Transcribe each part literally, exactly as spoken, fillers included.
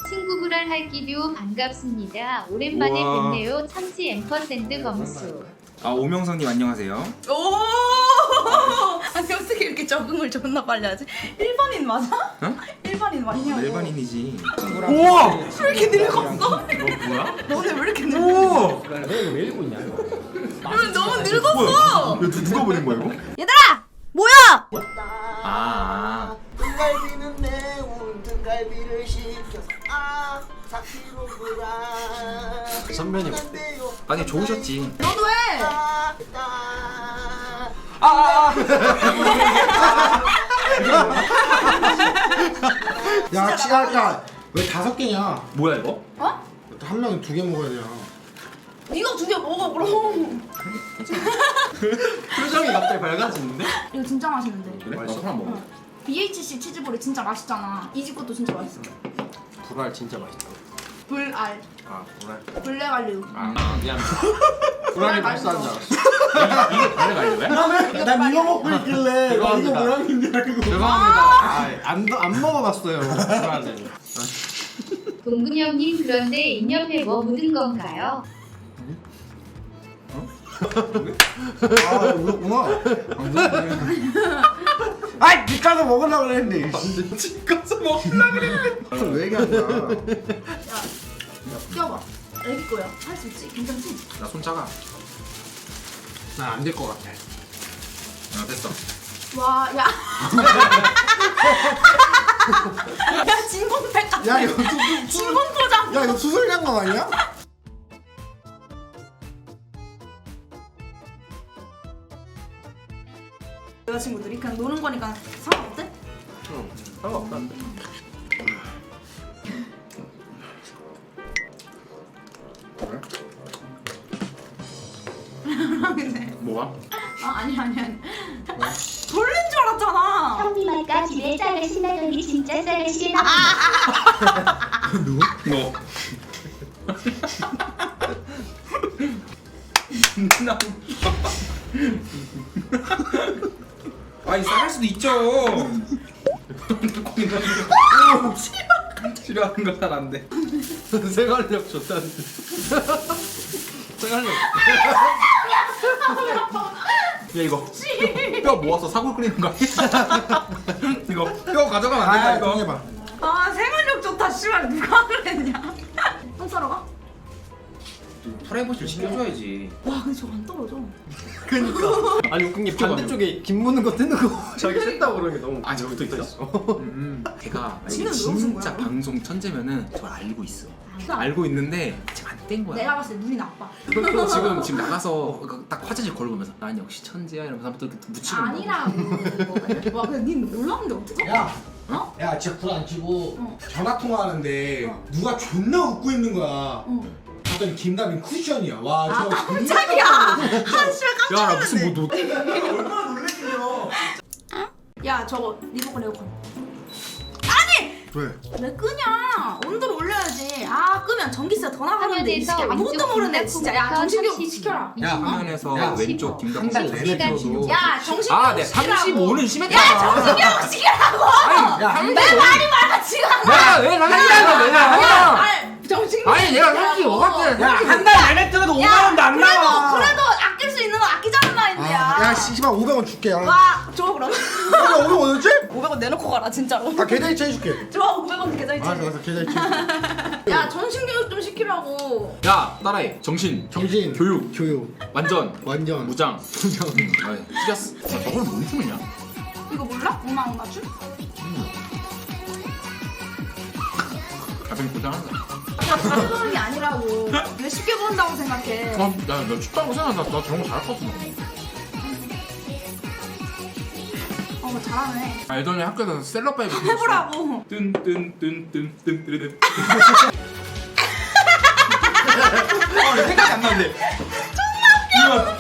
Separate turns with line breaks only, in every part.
친구 불알 할기류 반갑습니다. 오랜만에
우와.
뵙네요. 참치 앰퍼샌드 검수.
아 오명성님 안녕하세요.
오! 아니 어떻게 이렇게 적응을 존나 빨리 하지? 일반인 맞아?
응?
일반인 맞냐고.
일반인이지.
우와!
왜 이렇게 늙었어?
너 뭐야?
너네 왜 이렇게 늙었어?
우와!
너왜 읽고 있냐 이거?
왜 너무 늙었어?
이거 누가 보낸 거야 이거?
얘들아! 뭐야?
아.
등갈비는 매운 등갈비를 시켜서 아 사키로구라
선배님
아니 좋으셨지.
너도 해!
야, 치아가 왜 다섯 개냐?
뭐야 이거?
어?
한 명이 두 개 먹어야 되냐?
네가 두 개 먹어 그럼.
표정이 갑자기 밝아지는데?
이거 진짜 맛있는데.
그래? 나 하나 먹어.
비에이치씨 치즈볼이 진짜 맛있잖아. 이 집 것도 진짜 맛있어.
불알 진짜 맛있다.
불알,
아 불알.
블랙알류.
아 미안. 불알이 발사한 줄 알았어.
이게 발레 갈려야?
난 이거 먹고 있길래 나 이거
죄송합니다.
뭐라는 줄 알고.
죄송합니다. 안안 안 먹어봤어요. 불알은.
동근 형님 그런데 인옆에 뭐 묻은 건가요?
아, 울었구나. 아이, 집 가서 먹으려고 그랬는데.
안돼 집 가서 먹으려 그랬는데.
왜 얘기하는 거야?
야, 껴봐. 애기 거야. 할 수 있지? 괜찮지?
나 손 작아.
난 안 될 것 같아.
아 됐어.
와, 야. 야, 진공팩 같아.
야, 이거 수, 수,
진공포장.
야, 이거 수술 장갑 아니야?
여자친구들이 그냥 노는 거니까 상관없대?
응. 상관없다는데.
근데
뭐가?
아 아니 아니 아니 돌린 줄 알았잖아.
형님 아까 집에 쌀을 신나더니 진짜 쌀을 신나.
누구?
너. 나. 아니 싸갈 수도 있죠. 싫어하는 거 잘 안 돼.
생활력 좋다는데. 생활력.
야 이거 뼈 모아서 사골 끓이는 거 아니야? 이거 뼈 가져가면 안 된다
아,
이거.
정해봐.
아 생활력 좋다 씨발 누가 그랬냐. 똥 싸러 가?
프라이버시를 시켜줘야지.
와 근데 저거 안 떨어져.
그니까. 아니 웃긴 게 반대쪽에 김 무는 거 뜨는 거 자기 싫다고 그러는 게 너무.
아 저기 또 있어? 음. 걔가
지는
만약에
왜 웃은
진짜
거야?
방송 천재면은 저걸 알고 있어.
그러니까
알고 있는데 지금 안 뗀 거야.
내가 봤을 때 눈이 나빠.
지금 지금 나가서 딱 화장실 걸어보면서 난 역시 천재야 이러면서 한번 또 묻히는 거야.
아니라고. 와 근데 닌 몰랐는데 어떡해?
야,
어?
야, 진짜 불 안 켜고
어.
전화 통화하는데
어.
누가 존나 웃고 있는 거야.
어.
봤더니 김다빈 쿠션이야. 와,
아
저
깜짝이야. 아 씨발 깜짝
야, 나
놀랐네.
무슨 뭐 너.
얼마나 놀랬길래.
야 저거 리모컨 에어컨.
왜?
왜 끄냐? 온도를 올려야지. 아 끄면 전기세가 더 나가는데 이
화면에서
새끼 아무것도
왼쪽
모르네 진짜. 야 정신교육
삼십이,
시켜라.
야,
화면에서
야,
왼쪽
십오.
김덕진
한 달 내내 틀어도.
야 정신교육
아, 네
시키라고.
삼십오는 심했다.
야 정신교육 시키라고.
아니,
야,
삼십오.
내 말이 많아 지금.
야, 왜 삼십오야? 왜
야,
나?
아니 정신교육.
아니, 내가 삼십오 같아.
야, 한 달 내내 틀어도 오만 원도 안
그래도
나와.
그래도 아낄 수 있는 거 아끼자는 마인드야.
아, 야, 씨발 오백 원 줄게. 야,
와 좋아 그럼.
야, 오백 원이었지?
오백 원 내놓고 가라 진짜로.
아, 계좌이체 해줄게.
좋아 오백 원 계좌이체.
알았어, 알았어, 계좌이체.
야 정신교육 좀 시키라고.
야, 따라해. 정신.
정신,
교육.
교육,
완전.
완전,
무장.
무장.
아이, 찢었어. 야, 저걸 뭔 춤이냐?
이거 몰라? 오만 원 맞춤?
가슴이 고장한다.
야 다른 보는 게 아니라고. 왜 쉽게 본다고 생각해.
아, 나, 나 춥다고 생각한다. 나 저런 거 잘할 것 같은데.
어 뭐 잘하네.
알더니 학교에서 셀럽파이브
해보라고.
뜬뜬뜬뜬뜬뜬뜬 아 생각이 안 나는데 존나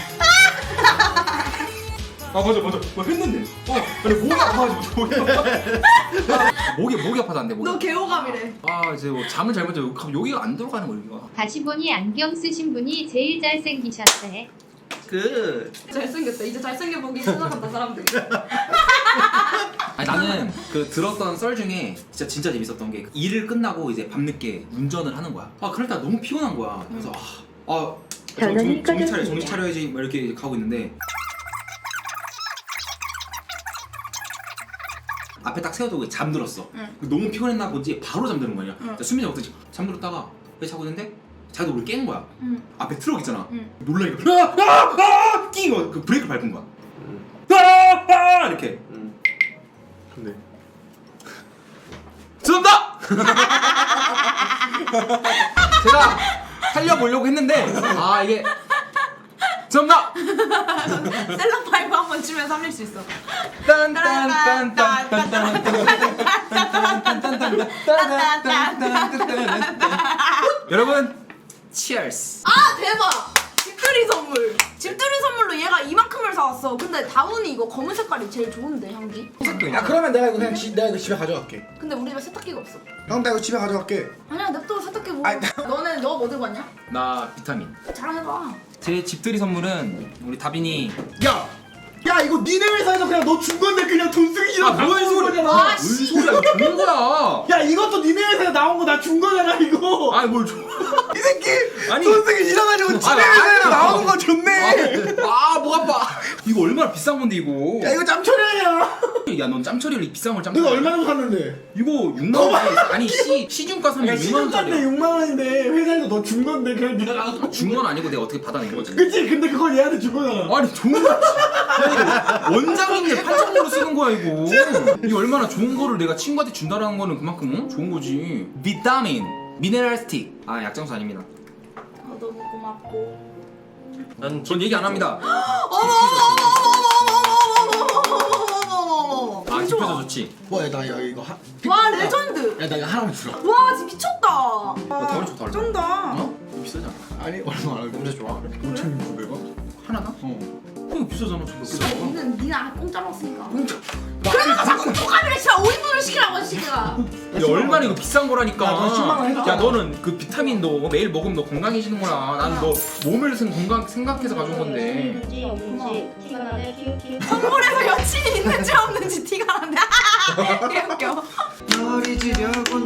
아 맞아 맞아 뭐 했는데 어 근데 목이 아파가지고 목이 아파 목이 목이 아파졌는데 목이
너 개호감이래.
아 이제 뭐 잠을 잘못 자고 갑자기 여기가 안 들어가는 거야 여기가
다시 보니 안경 쓰신 분이 제일 잘생기셨대.
그
잘생겼다. 이제 잘생겨 보기 시작한다 사람들이.
아니 나는 그 들었던 썰 중에 진짜 진짜 재밌었던 게 일을 끝나고 이제 밤늦게 운전을 하는 거야. 아 그럴 때 너무 피곤한 거야. 그래서 아, 아 정, 정, 정신 차려 정신 차려야지 막 이렇게 가고 있는데 앞에 딱 세워두고 잠들었어.
응.
너무 피곤했나 본지 바로 잠드는 거야.
응.
수면이 없듯이 잠들었다가 왜 자고 있는데 자기도 우리 깬 거야.
응.
앞에 트럭 있잖아.
응.
놀라니까 아아아 끼고 그 브레이크 밟은 거야. 아아 이렇게.
근데
죄송합니다. 제가 살려보려고 했는데 아 이게 죄송합니다.
셀럽 파이브 한번 치면 살릴 수 있어.
여러분 치얼스.
아 대박! 집들이 선물. 집들이 선물로 얘가 이만큼을 사왔어. 근데 다운이 이거 검은 색깔이 제일 좋은데 향기.
야 그러면 내가 이거 그냥 지, 내가 이거 집에 가져갈게.
근데 우리 집에 세탁기가 없어.
형 나 이거 집에 가져갈게.
아니야 냅둬 세탁기 뭐.
아니,
너는 너 뭐 들고 왔냐?
나 비타민.
자랑해봐.
제 집들이 선물은 우리 다빈이.
야! 야 이거 니네 회사에서 그냥 너 준 건데 그냥 돈 쓰기 싫어.
뭔 소리야?
아,
뭔
씨.
소리야? 이거 좋은 거야.
야 이것도 니네 회사에 나온 거 나 준 거잖아 이거.
아니 뭘 줘?
이 새끼
아니.
돈 쓰기 싫어가지고 지네
아니,
회사에
아니.
나오는 거 줬네.
아목 아파. 이거 얼마나 비싼 건데 이거?
야 이거 짬처리야.
야 넌 짬처리를 비싼 걸 짬.
내가 얼마나 샀는데?
이거 육만 원짜리 아니 시 시중가 사면
야
육만
시중가인데
원짜리.
육만 원인데 회사에서 너 준 건데 그냥 네가 나가서
준 건 아니고 내가 어떻게 받아낸 거지?
그치? 근데 그걸 얘한테 준 거잖아.
아니 좋은 거. 야, 이거 원장님들 팔천으로 쓰는 거야 이거. 이게 얼마나 좋은 거를 내가 친구한테 준다라는 거는 그만큼 어? 좋은 거지. 비타민, 미네랄 스틱. 아 약장수 아닙니다.
아 너무 고맙고.
난 전 얘기 안 합니다.
어머 어머 어머 어머 어머 어머 어머 어머.
아 집혀서 좋지.
뭐야 나 야, 이거 하...
와 레전드.
야 나 이거 하나만 주라.
와 진짜 미쳤다.
어, 더 좋다 얼마?
쩐다.
어? 이거 비싸잖아.
아니 얼마 안
냄새 좋아.
오천육백 원?
하나나? 어. 이거 비싸잖아. 저거 비싸.
니는 니는 안 공짜로 왔으니까.
공짜.
그래서 자꾸 초과비를 시켜 오 인분을 시키라고 시키가.
야 얼마나 이거 비싼 거라니까.
야, 너 십만 원 해줬잖아.
야 너는 그 비타민도 매일 먹으면 너 건강해지는 거야. 나는 너 몸을 쓴 건강 생각해서 가져온 건데.
있는지 없는지 티가 나네. 키우키우.
선물에서 여친이 있는지 없는지 티가 나네. 개 웃겨.
머리 지려고